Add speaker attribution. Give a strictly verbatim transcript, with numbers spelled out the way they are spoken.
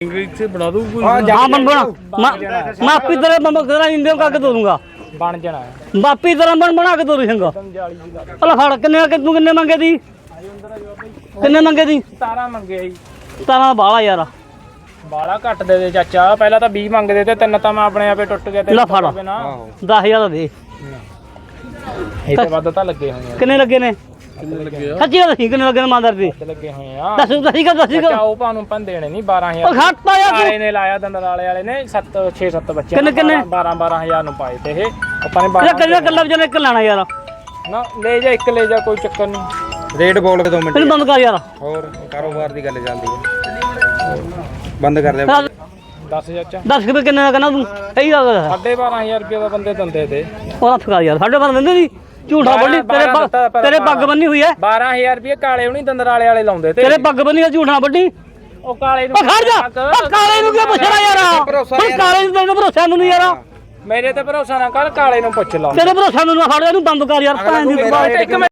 Speaker 1: English से बना दूं कोई?
Speaker 2: हाँ बन बना मैं आपकी तरह मैं तेरा इंडियन का के दे दूंगा
Speaker 1: बन जाना है
Speaker 2: बापी तरह बन बना के दे दूंगा अल्लाह फाड़ किन्ने के तू किन्ने मंगे दी किन्ने मंगे दी
Speaker 1: सतारह मंगे जी
Speaker 2: तारा बाला यार
Speaker 1: बाला घट दे दे चाचा पहला तो बीस मंगदे ते तीन तो मैं अपने आपे टुट गया ते
Speaker 2: ला फाड़ दस हजार दे
Speaker 1: ਇਹ ਤੇ ਵੱਧ ਤਾਂ ਲੱਗੇ ਹੋਏ ਆ
Speaker 2: किन्ने लगे ने सच्ची गल दसी किन्ने लगे ने मांदर दी
Speaker 1: ਤੇ ਲੱਗੇ ਹੋਏ ਆ
Speaker 2: दस दसी का दसी का
Speaker 1: ਚਾਚਾ ਉਹ ਭਾਨੂੰ ਪੰਦੇ ਨੇ ਨਹੀਂ ਬਾਰਾਂ
Speaker 2: ओ
Speaker 1: ਹਜ਼ਾਰ
Speaker 2: घाट पाया
Speaker 1: ਵਾਲੇ ਨੇ ਲਾਇਆ ਦੰਦਲ ਵਾਲੇ ਵਾਲੇ ਨੇ ਸੱਤ ਛੇ ਸੱਤ ਬੱਚੇ
Speaker 2: ਕਿੰਨੇ- ਕਿੰਨੇ?
Speaker 1: ਬਾਰਾਂ ਬਾਰਾਂ ਹਜ਼ਾਰ ਨੂੰ ਪਾਏ ਤੇ ਇਹ ਆਪਾਂ ਨੇ
Speaker 2: ये
Speaker 1: ਬਾਰਾਂ
Speaker 2: कल्ला कल्ला बजने एक लाना यार
Speaker 1: ਨਾ ਲੈ ਜਾ ਇੱਕ ਲੈ ਜਾ ਕੋਈ ਚੱਕਰ ਨਹੀਂ
Speaker 3: ਰੇਟ ਬੋਲ ਕੇ ਦੋ ਮਿੰਟ
Speaker 2: फिर बंद कर यार
Speaker 3: ਹੋਰ ਕਾਰੋਬਾਰ ਦੀ ਗੱਲ ਚੱਲਦੀ ਹੈ ਬੰਦ ਕਰ ਦੇ
Speaker 1: ਦਸ ਚਾਚਾ
Speaker 2: दस रुपये किन्ने का कहना तू सही गल है
Speaker 1: ਸਾਢੇ ਬਾਰਾਂ ਹਜ਼ਾਰ ਰੁਪਏ ਦਾ ਬੰਦੇ ਦੰਦੇ ਤੇ
Speaker 2: और फका यार साढ़े बारह दिन दी झूठा बोली तेरे पग तेरे पग बन्नी हुई है
Speaker 1: ਬਾਰਾਂ ਹਜ਼ਾਰ ਰੁਪਏ ਕਾਲੇ ਹੁਣੀ ਦੰਦਰ ਵਾਲੇ ਵਾਲੇ ਲਾਉਂਦੇ ਤੇ
Speaker 2: तेरे पग बन्नी है झूठा बड्डी
Speaker 1: ਉਹ ਕਾਲੇ ਨੂੰ
Speaker 2: ओ खड़ जा ओ काले नु क्या पूछना यार ओ काले नु तेरे भरोसा नु नहीं यार
Speaker 1: ਮੇਰੇ ਤੇ ਭਰੋਸਾ ਨਾ ਕਰ ਕਾਲੇ ਨੂੰ ਪੁੱਛ ਲਾ
Speaker 2: तेरे भरोसा नु ना फड़ जा नु बंद कर यार भैन दी
Speaker 1: ਇੱਕ ਮਿੰਟ